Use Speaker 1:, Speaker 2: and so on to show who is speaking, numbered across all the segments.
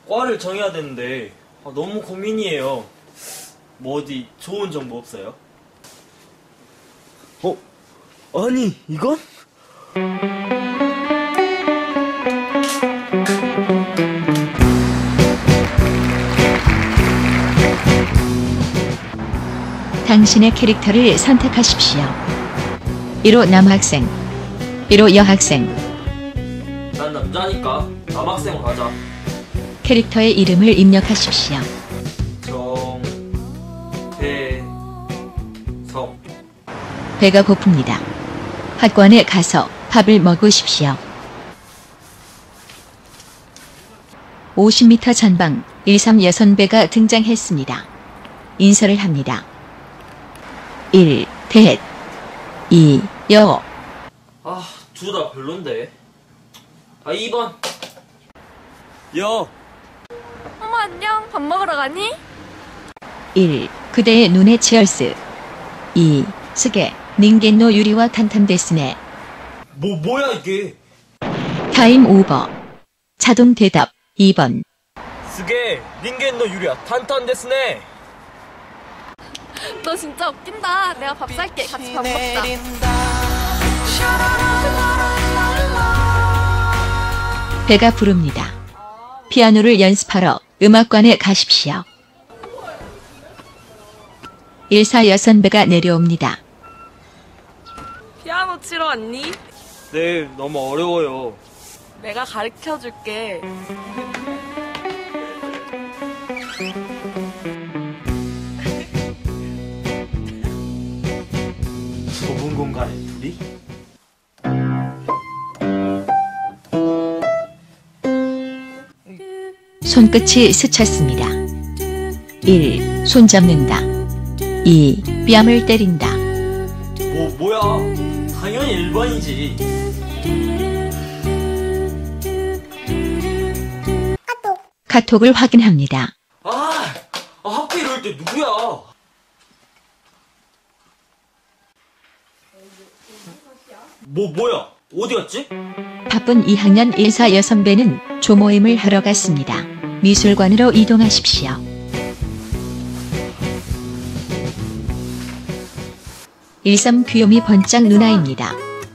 Speaker 1: 과를 정해야 되는데 너무 고민이에요. 뭐 어디 좋은 정보 없어요? 아니 이건?
Speaker 2: 당신의 캐릭터를 선택하십시오. 1호 남학생, 1호 여학생.
Speaker 1: 난 남자니까 남학생으로 하자.
Speaker 2: 캐릭터의 이름을 입력하십시오.
Speaker 1: 정대성.
Speaker 2: 배가 고픕니다. 학관에 가서 밥을 먹으십시오. 50m 전방 13 여선배가 등장했습니다. 인사를 합니다. 1. 대 2. 여.
Speaker 1: 둘 다 별론데. 2번. 여.
Speaker 3: 어머 안녕. 밥 먹으러 가니?
Speaker 2: 1. 그대의 눈에 치얼스. 2. 스게 닌겐노 유리와 탄탄데스네.
Speaker 1: 뭐야 이게?
Speaker 2: 타임 오버. 자동 대답 2번.
Speaker 1: 스게 닌겐노 유리야 탄탄데스네.
Speaker 3: 너 진짜 웃긴다. 내가 밥 살게. 같이 밥 먹자.
Speaker 2: 배가 부릅니다. 피아노를 연습하러 음악관에 가십시오. 14 여선배가 내려옵니다.
Speaker 3: 피아노 치러 왔니?
Speaker 1: 네, 너무 어려워요.
Speaker 3: 내가 가르쳐줄게.
Speaker 1: 좁은 공간에 둘이?
Speaker 2: 손끝이 스쳤습니다. 1. 손 잡는다. 2. 뺨을 때린다.
Speaker 1: 뭐야? 당연히 1번이지.
Speaker 2: 카톡을 확인합니다.
Speaker 1: 하필 이럴 때 누구야? 뭐야? 어디 갔지?
Speaker 2: 바쁜 2학년 14 여선배는 조모임을 하러 갔습니다. 미술관으로 이동하십시오. 일삼 귀요미 번짝 누나입니다.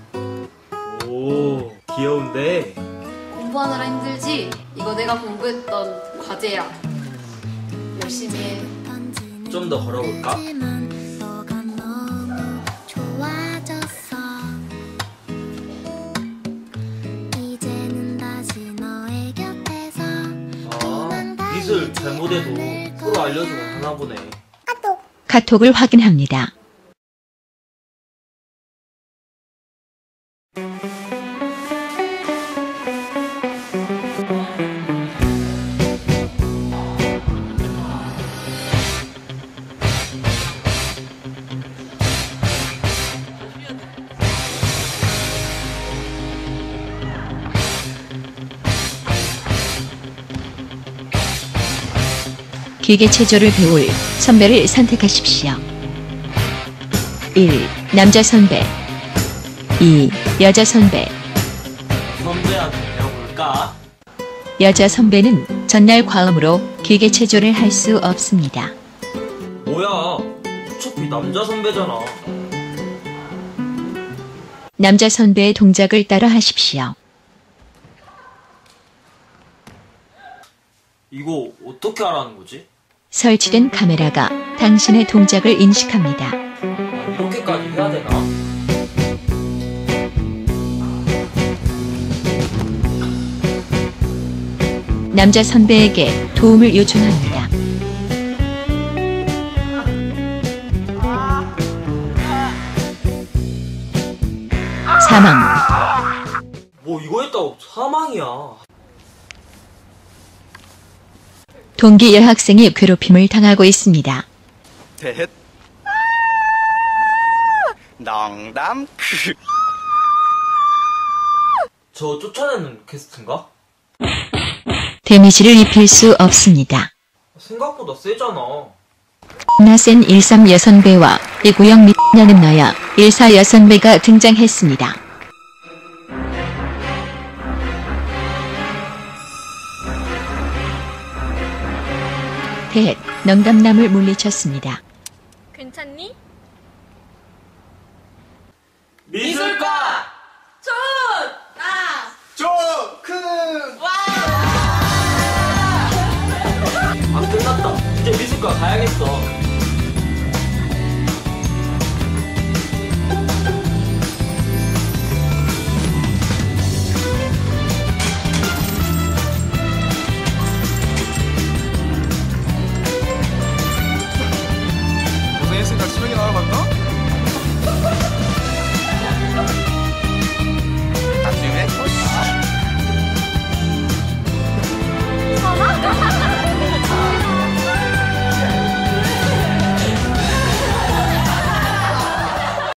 Speaker 1: 오, 귀여운데.
Speaker 4: 공부하느라 힘들지? 이거 내가 공부했던 과제야. 열심히 해.
Speaker 1: 좀 더 걸어볼까? 미술 잘못해도 서로 알려주면 하나 보네.
Speaker 2: 카톡을 확인합니다. 기계체조를 배울 선배를 선택하십시오. 1. 남자 선배. 2. 여자 선배.
Speaker 1: 선배한테 배워볼까?
Speaker 2: 여자 선배는 전날 과음으로 기계체조를 할 수 없습니다.
Speaker 1: 뭐야? 어차피 남자 선배잖아.
Speaker 2: 남자 선배의 동작을 따라 하십시오.
Speaker 1: 이거 어떻게 하라는 거지?
Speaker 2: 설치된 카메라가 당신의 동작을 인식합니다.
Speaker 1: 이렇게까지 해야 되나?
Speaker 2: 남자 선배에게 도움을 요청합니다. 사망.
Speaker 1: 뭐 이거 했다고 사망이야.
Speaker 2: 동기 여학생이 괴롭힘을 당하고 있습니다.
Speaker 5: 대 농담.
Speaker 1: 저 쫓아내는 퀘스트인가?
Speaker 2: 데미지를 입힐 수 없습니다.
Speaker 1: 생각보다 세잖아.
Speaker 2: 나센 13 여선배와 이구영 미녀는 너야 14 여선배가 등장했습니다. 대헷, 넉담남을 물리쳤습니다.
Speaker 3: 괜찮니?